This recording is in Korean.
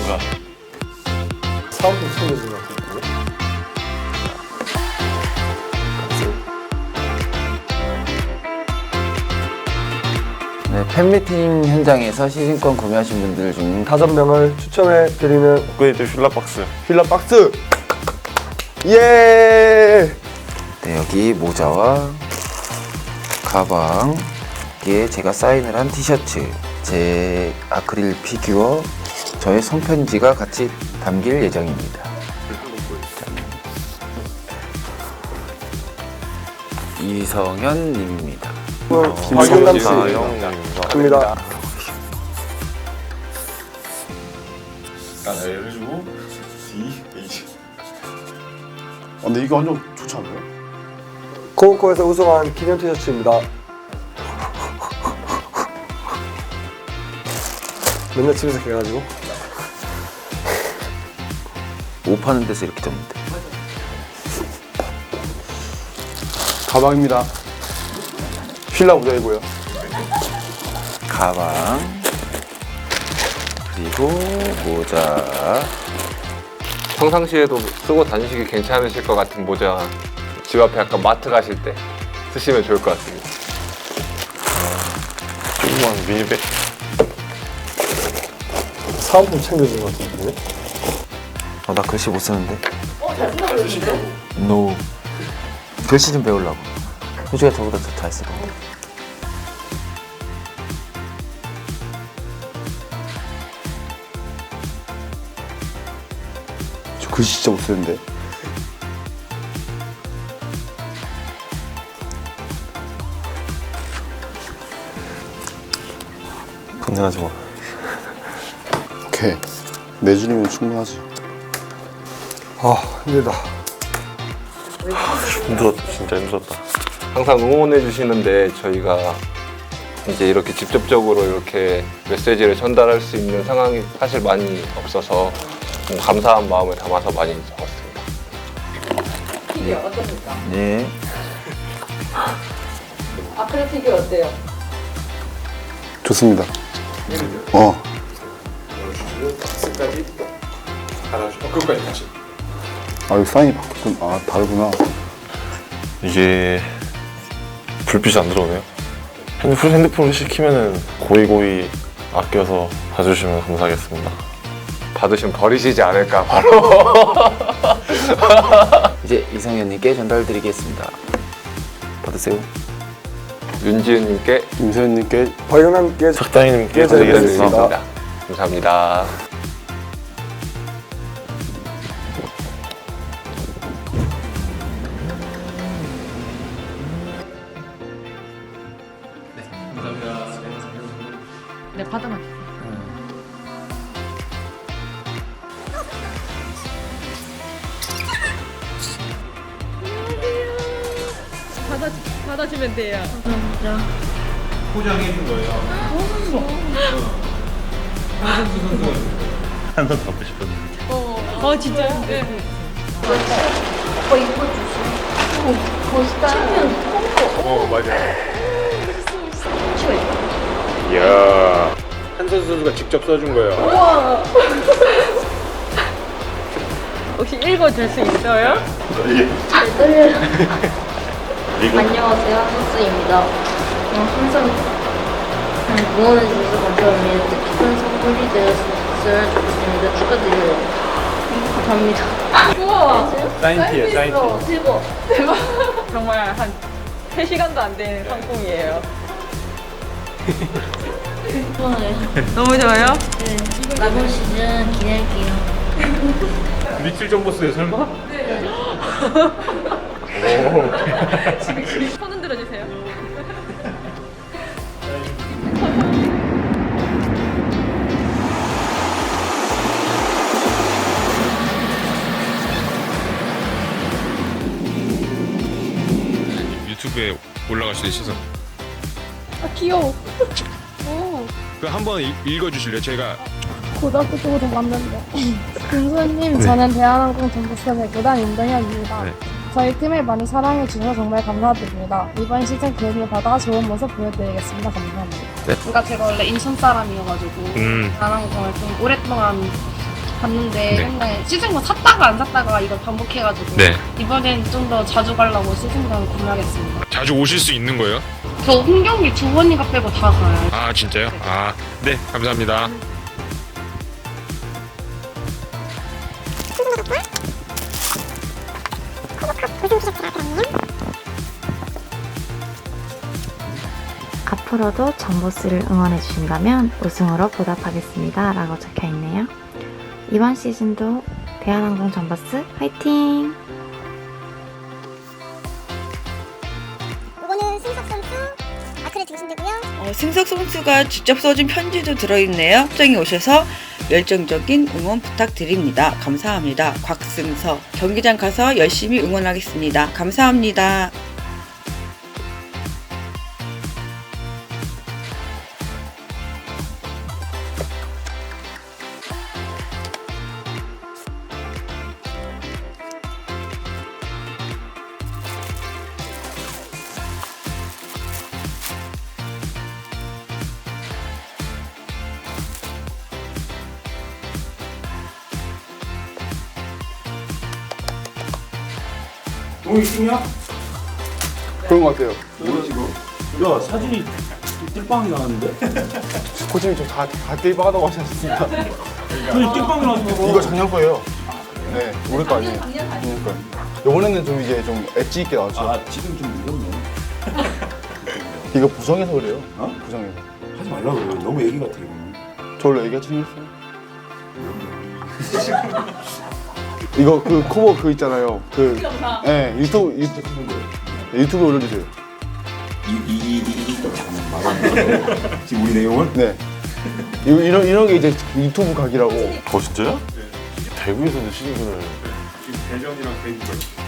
뭔가. 사업도 챙겨주는 것 같고. 네, 팬미팅 현장에서 시승권 구매하신 분들 중 5명을 추첨해 드리는 업그레이드 휠라 박스. 휠라 박스. 예. 네, 여기 모자와 가방에 제가 사인을 한 티셔츠, 제 아크릴 피규어, 저의 손편지가 같이 담길 예정입니다. 이성현 님입니다. 박용남 씨 박용남입니다. 입니다. L을 주고 D, H. 근데 이거 완전 좋지 않나요? 코오코에서 우승한 기념 티셔츠입니다. 맨날 집에서 해가지고 옷 파는 데서 이렇게 접니다. 가방입니다. 휠라 모자이고요. 가방, 그리고 모자. 평상시에도 쓰고 다니시기 괜찮으실 것 같은 모자, 집 앞에 약간 마트 가실 때 쓰시면 좋을 것 같습니다. 조그만 미니백. 사은품 챙겨주는 것 같은데. 나 글씨 못 쓰는데. 잘 쓰시냐고? No. 글씨 좀 배우려고. 효주가 저보다 더 잘 쓰고. 저 글씨 진짜 못 쓰는데. 건강하지 마. 오케이. 4줄이면 충분하지. 아 힘들다. 힘들었다. 진짜 힘들었다. 항상 응원해 주시는데 저희가 이제 이렇게 직접적으로 이렇게 메시지를 전달할 수 있는 상황이 사실 많이 없어서 감사한 마음을 담아서 많이 적었습니다. 피규어 어떠십니까? 네. 아크릴 피규어 어때요? 좋습니다. 아, 여기 사인이 바뀌었군. 아, 다르구나. 이게 불빛이 안 들어오네요. 핸드폰을 시키면은 고이고이 아껴서 봐주시면 감사하겠습니다. 받으시면 버리시지 않을까 바로. 이제 이성현님께 전달드리겠습니다. 받으세요. 윤지은님께 임소연님께 박용남께 석당이님께 드리겠습니다. 드리겠습니다. 감사합니다. 네, 받으면 받아주면 돼요. 한번 받고 싶었는데. 진짜요? 네. 이야. 한선 선수가 직접 써준 거예요. 혹시 읽어줄 수 있어요? 안녕하세요, 한수입니다. 항상 응원해주셔서 감사합니다. 특히 큰 선물이 되었으면 좋겠습니다. 축하드려요. 감사합니다. 우와! 사인티에 사인티. 대박. 정말 한 3시간도 안 되는 상품이에요. 너무 좋아요? 네, 이번 시즌 기대할게요. 리틀 점보스에 설마? 손 흔들어 주세요. 유튜브에 올라갈 수 있어서 귀여워. 그 한번 읽어주실래요? 제가 고등학교 때부터 봤는데. 김수현님, 저는 대한항공 전북선 배구단 임동현입니다. 네. 저희 팀을 많이 사랑해 주셔서 정말 감사드립니다. 이번 시즌 기회를 받아 좋은 모습 보여드리겠습니다. 감사합니다. 네. 그러니까 제가 원래 인천 사람이어가지고 대한항공을 좀 오랫동안 봤는데 맨날 시즌권 샀다가 안 샀다가 이걸 반복해가지고 네. 이번엔 좀 더 자주 가려고 시즌권 구매하겠습니다. 자주 오실 수 있는 거예요? 저 홈경기 두 번인가 빼고 다 가요. 아 진짜요? 아 네 감사합니다. 앞으로도 정보스를 응원해 주신다면 우승으로 보답하겠습니다 라고 적혀있네요. 이번 시즌도 대한항공 정보스 화이팅! 이거는 승석 선수 아크릴 등신되고요. 승석 선수가 직접 써준 편지도 들어있네요. 현장에 오셔서 열정적인 응원 부탁드립니다. 감사합니다. 곽승석. 경기장 가서 열심히 응원하겠습니다. 감사합니다. 동이 춤이야? 그런 것 같아요. 야 사진이 띨빵이 나왔는데? 코치님 저다 띨빵하다고 하셨습니다. 아니 띨빵이 나왔어. 이거 작년 거예요. 네, 우리 거 아니에요. 작년 거. 이번에는 좀 이제 좀 엣지 있게 나왔죠. 아 지금 좀 무섭네. 이거 부정해서 그래요. 부정해서. 하지 말라고 그래. 너무 얘기 같아 이거는. 저로 얘기하지 않았어요? 이거 그 커버 그 있잖아요. 그 네, 유튜브에 올려주세요. 잠깐만 말하는 지금 우리 내용을? 네. 이런 게 이제 유튜브 각이라고. 진짜요? 대구에서도 시즌을 지금 대전이랑 대구가